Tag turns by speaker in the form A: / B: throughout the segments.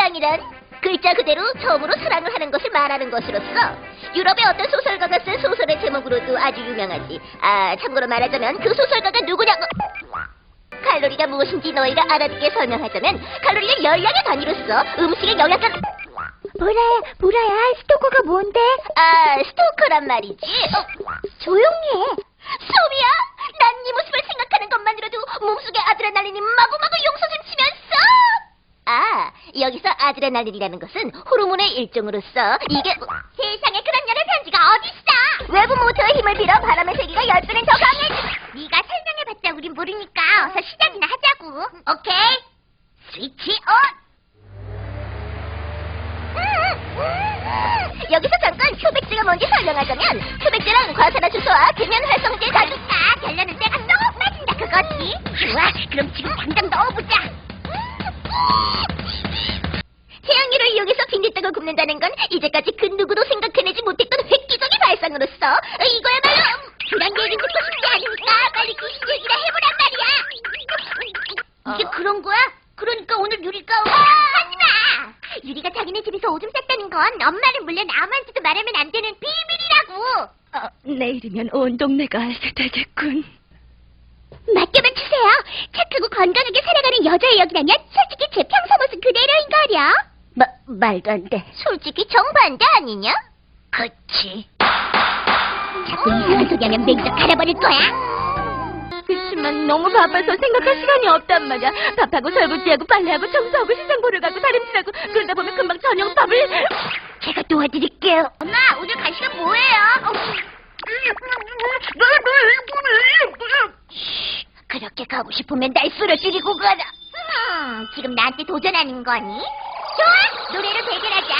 A: 사랑이란 글자 그대로 처음으로 사랑을 하는 것을 말하는 것으로서 유럽의 어떤 소설가가 쓴 소설의 제목으로도 아주 유명하지. 아, 참고로 말하자면 그 소설가가 누구냐고. 칼로리가 무엇인지 너희가 알아듣게 설명하자면 칼로리는 열량의 단위로서 음식의 영양가. 보라야, 스토커가 뭔데? 아, 스토커란 말이지. 조용히 해. 소미야, 난 네 모습을 생각하는 것만으로도 몸속에 아드레날린이 마구마구 용솟음치면서. 아, 여기서 아드레날린이라는 것은 호르몬의 일종으로서 이게 세상에 그런 여러 편지가 어딨어? 외부 모터의 힘을 빌어 바람의 세기가 10배는 더 강해지. 네가 설명해봤자 우린 모르니까 어서 시작이나 하자고. 오케이, 스위치 온. 여기서 잠깐 표백제가 뭔지 설명하자면 표백제란 과산화수소와 계면 활성제 다좋다. 결론은 때가 쏙 빠진다 그거지. 좋아, 그럼 지금 당장 넣어보자. 태양열을 이용해서 빈대떡을 굽는다는 건 이제까지 그 누구도 생각해내지 못했던 획기적인 발상으로서 이거야말로 그런 얘기 듣고 싶지 않으니까 빨리 귀신 얘기나 해보란 말이야. 이게 그런 거야? 그러니까 오늘 유리가 하지마! 유리가 자기네 집에서 오줌 쌌다는 건 엄마를 물론 아무한테도 말하면 안 되는 비밀이라고.
B: 내일이면 온 동네가 알게 되겠군.
A: 맡겨만 주세요. 착하고 건강하게 살아가는 여자의 역이라면 솔직히 제 평소 모습 그대로인거려. 말도 안 돼. 솔직히 정반대 아니냐? 그치. 자꾸 이상한 소리 하면 맹적 갈아버릴 거야.
B: 그치만 너무 바빠서 생각할 시간이 없단 말이야. 밥하고 설거지하고 빨래하고 청소하고 시장 보러 가고 다림질하고 그러다 보면 금방 저녁밥을.
A: 제가 도와드릴게요. 엄마, 오늘 간식은 뭐예요? 그렇게 가고 싶으면 날 쓰러뜨리고 가라. 지금 나한테 도전하는 거니? 좋아, 노래로 대결하자.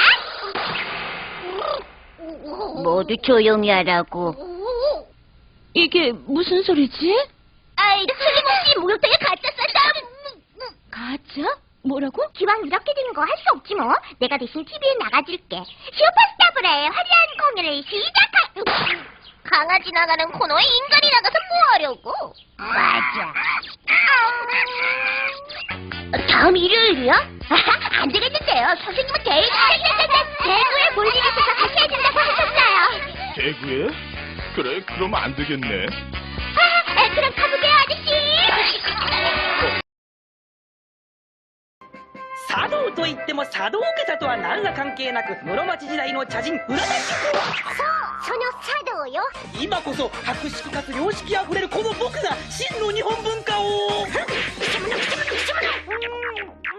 A: 모두 조용히 하라고.
B: 이게 무슨 소리지?
A: 아이, 틀림없이 목욕탕에 가짜 쌌다.
B: 가짜? 뭐라고?
A: 기왕 이렇게 된 거 할 수 없지 뭐. 내가 대신 TV에 나가줄게. 슈퍼스타브라의 화려한 공연을 시작할. 강아지 나가는 코너에 인간이 나가서 뭐 하려고? 맞아. 다음 일요일이요? 안 되겠는데요. 선생님은 대구에 볼 일이 있어서 다시 해준다고 하셨어요.
C: 대구에? 그래, 그럼 안 되겠네.
A: 그럼 가보게요, 아저씨.
D: 茶道といっても茶道家とは何ら関係なく室町時代の茶人占い師
A: その茶道よ。
D: 今こそ博識かつ良識あふれるこの僕が真の日本文化を